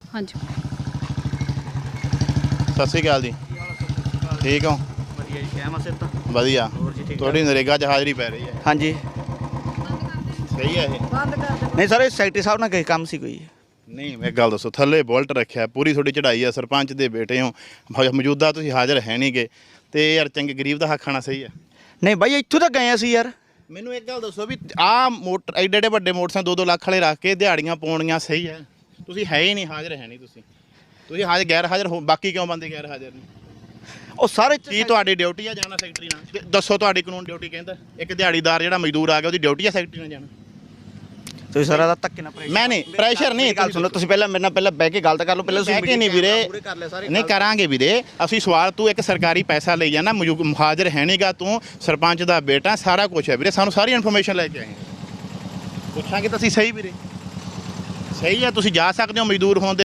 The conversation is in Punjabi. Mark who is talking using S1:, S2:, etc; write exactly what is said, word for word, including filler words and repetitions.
S1: ਹਾਂਜੀ।
S2: ਸਤਿ ਸ਼੍ਰੀ ਅਕਾਲ ਜੀ। ਠੀਕ ਹੋ?
S3: ਵਧੀਆ ਜੀ, ਕਹਿ ਮਸੇ ਤਾਂ
S2: ਵਧੀਆ।
S3: ਹੋਰ ਜੀ ਠੀਕ
S2: ਤੁਹਾਡੀ ਨਰੇਗਾ 'ਚ ਹਾਜ਼ਰੀ ਪੈ ਰਹੀ ਹੈ।
S3: ਹਾਂਜੀ।
S2: ਸਹੀ ਹੈ ਇਹ?
S3: ਨਹੀਂ ਸਰ, ਇਹ ਸੈਕਟਰੀ ਸਾਹਿਬ ਨਾਲ ਕੋਈ ਕੰਮ ਸੀ ਕੋਈ?
S2: ਨਹੀਂ, ਮੈਂ ਗੱਲ ਦੱਸੋ, ਥੱਲੇ ਬੁਲਟ ਰੱਖਿਆ, ਪੂਰੀ ਤੁਹਾਡੀ ਚੜ੍ਹਾਈ ਆ, ਸਰਪੰਚ ਦੇ ਬੇਟੇ ਹੋ, ਮ- ਮੌਜੂਦਾ ਤੁਸੀਂ ਹਾਜ਼ਰ ਹੈ ਨਹੀਂ ਗੇ, ਤੇ ਯਾਰ ਚੰਗੇ ਗਰੀਬ ਦਾ ਹੱਕ ਖਾਣਾ ਸਹੀ ਹੈ?
S3: ਨਹੀਂ ਬਾਈ, ਇੱਥੋਂ ਤਾਂ ਗਏ ਅਸੀਂ ਯਾਰ।
S2: ਮੈਨੂੰ ਇੱਕ ਗੱਲ ਦੱਸੋ ਵੀ ਆਹ ਮੋਟਰ ਐਡੇ ਐਡੇ ਵੱਡੇ ਮੋਟਰਸਾਈਕਲ ਦੋ ਦੋ ਲੱਖ ਵਾਲੇ ਰੱਖ ਕੇ ਦਿਹਾੜੀਆਂ ਪਾਉਣੀਆਂ ਸਹੀ ਹੈ? ਤੁਸੀਂ ਹੈ ਹੀ ਨਹੀਂ, ਹਾਜ਼ਰ ਹੈ ਨਹੀਂ ਤੁਸੀਂ। ਤੁਸੀਂ ਹਾਜ਼ਰ ਗੈਰ ਹਾਜ਼ਰ ਹੋ, ਬਾਕੀ ਕਿਉਂ ਬੰਦੇ ਗੈਰ ਹਾਜ਼ਰ ਨੇ?
S3: ਉਹ ਸਾਰੇ
S2: ਕੀ ਤੁਹਾਡੀ ਡਿਊਟੀ ਆ ਜਾਣਾ ਸੈਕਟਰੀ ਨਾਲ? ਦੱਸੋ, ਤੁਹਾਡੀ ਕਾਨੂੰਨ ਡਿਊਟੀ ਕਹਿੰਦਾ ਇੱਕ ਦਿਹਾੜੀਦਾਰ ਜਿਹੜਾ ਮਜ਼ਦੂਰ ਆ ਗਿਆ ਉਹਦੀ ਡਿਊਟੀ ਆ ਸੈਕਟਰੀ ਨਾਲ ਜਾਣਾ?
S3: ਤੁਸੀਂ ਸਾਰਾ ਦਾ ਧੱਕੇ ਨਾ ਪ੍ਰੈਸ਼ਰ।
S2: ਮੈਂ ਨਹੀਂ ਪ੍ਰੈਸ਼ਰ ਨਹੀਂ,
S3: ਗੱਲ ਸੁਣੋ, ਤੁਸੀਂ ਪਹਿਲਾਂ ਮੇਰੇ ਨਾਲ ਪਹਿਲਾਂ ਬਹਿ ਕੇ ਗੱਲ ਤਾਂ ਕਰ ਲਓ। ਪਹਿਲਾਂ
S2: ਬਹਿ ਕੇ ਨਹੀਂ ਵੀਰੇ, ਨਹੀਂ ਕਰਾਂਗੇ ਵੀਰੇ ਅਸੀਂ ਸਵਾਲ। ਤੂੰ ਇੱਕ ਸਰਕਾਰੀ ਪੈਸਾ ਲਈ ਜਾਣਾ, ਮੌਜੂ- ਹਾਜ਼ਰ ਹੈ ਨਹੀਂਗਾ, ਤੂੰ ਸਰਪੰਚ ਦਾ ਬੇਟਾ, ਸਾਰਾ ਕੁਝ ਹੈ ਵੀਰੇ, ਸਾਨੂੰ ਸਾਰੀ ਇਨਫੋਰਮੇਸ਼ਨ ਲੈ ਕੇ ਆਏ ਪੁੱਛਾਂਗੇ ਤਾਂ ਅਸੀਂ। ਸਹੀ ਵੀਰੇ, ਸਹੀ ਹੈ, ਤੁਸੀਂ ਜਾ ਸਕਦੇ ਹੋ ਮਜ਼ਦੂਰ ਹੋਣ ਦੇ